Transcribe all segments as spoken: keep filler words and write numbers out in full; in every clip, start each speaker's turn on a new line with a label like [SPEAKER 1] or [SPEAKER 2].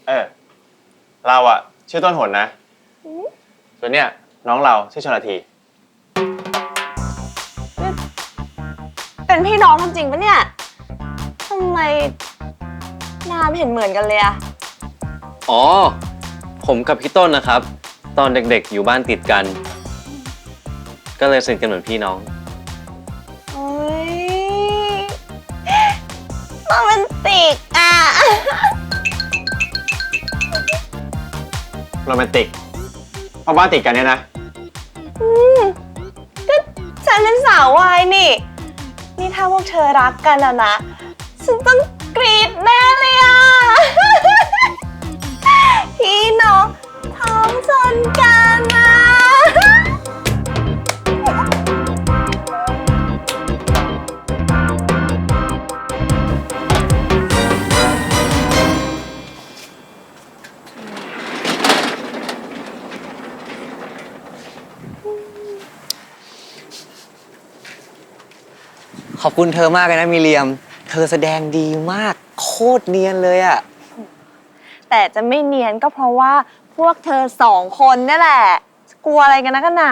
[SPEAKER 1] เออเราอะชื่อต้นหนนะส่วนเนี้ยน้องเราชื่อชลธี
[SPEAKER 2] เป็นพี่น้องกันจริงปะเนี่ยทำไมนามเห็นเหมือนกันเลยอะ
[SPEAKER 3] อ๋อผมกับพี่ต้นนะครับ ตอนเด็กๆอยู่บ้านติดกัน ก็เลยสนิทกันเหมือนพี่น้อง
[SPEAKER 2] โอ้ยโรแมนติกอะ
[SPEAKER 1] โรแมนติกเพราะบ้านติดกันเนี่ยนะ
[SPEAKER 2] อืมก็ฉันเป็นสาววายนี่ นี่ถ้าพวกเธอรักกันอะนะ ฉันต้องกรี๊ดแน่เลยอะ พี่น้องท้องชนกันอะ
[SPEAKER 4] ขอบคุณเธอมากเลยนะมิเรียม เธอแสดงดีมากโคตรเนียนเลยอะ
[SPEAKER 2] แต่จะไม่เนียนก็เพราะว่าพวกเธอสองคนนี่แหละ กลัวอะไรกันนะกันหนา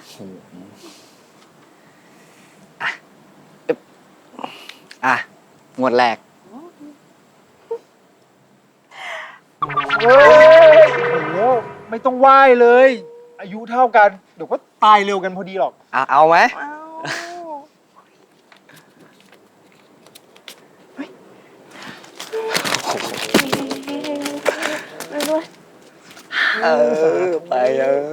[SPEAKER 4] อ่ะหมวดแรก
[SPEAKER 5] โอ้โหไม่ต้องไหว้เลย อายุเท่ากัน เดี๋ยวก็ตายเร็วกันพอดีหรอก
[SPEAKER 4] อ่ะเอาไหม เออ ไปเออ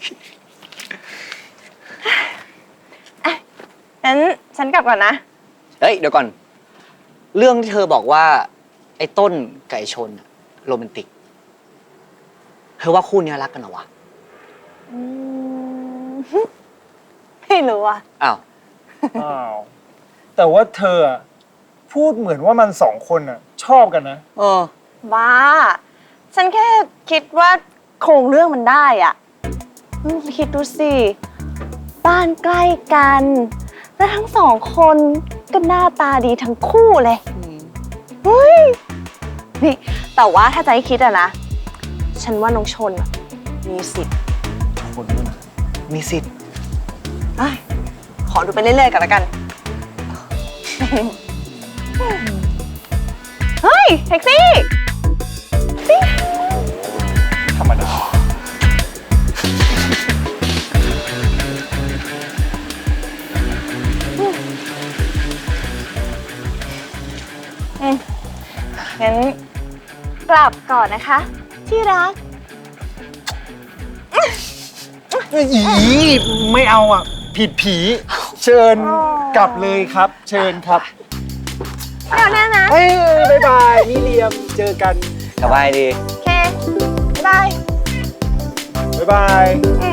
[SPEAKER 2] งั้นฉันกลับก่อนนะ
[SPEAKER 4] เฮ้ย เดี๋ยวก่อน เรื่องที่เธอบอกว่า ไอ้ต้นไก่ชนอะโรแมนติก เธอว่าคู่เนี้ยรักกันเหรอวะ
[SPEAKER 2] อืมไม่รู้อ่ะ
[SPEAKER 4] อ้าว
[SPEAKER 5] อ้าว แต่ว่าเธออะพูดเหมือนว่ามันสองคนอ่ะ ชอบกันนะ
[SPEAKER 4] เออ
[SPEAKER 2] บ้า ฉันแค่คิดว่าโครงเรื่องมันได้อ่ะอืมคิดดูสิ บ้านใกล้กัน และทั้งสองคนก็หน้าตาดีทั้งคู่เลยเฮ้ย นี่ แต่ว่าถ้าจะให้คิดอะนะ ฉันว่าน้องชนอะมีสิทธิ์
[SPEAKER 5] คนด้วยนะ
[SPEAKER 4] มีสิทธิ์
[SPEAKER 2] เอ้ยขอดูไปเรื่อยๆกันละกัน เฮ้ย แท็กซี่
[SPEAKER 5] ธรรมดา
[SPEAKER 2] อืมงั้นกลับก่อนนะคะ ที่รัก
[SPEAKER 5] อีไม่เอาอ่ะ ผิดผี เชิญกลับเลยครับ เชิญครับ
[SPEAKER 2] ไม่เอาแน่นะ
[SPEAKER 5] เฮ้ยบายบายนี่เลียม เจอกัน
[SPEAKER 4] สบายดี
[SPEAKER 2] โอเค บ๊ายบาย
[SPEAKER 5] บ๊ายบาย
[SPEAKER 2] อื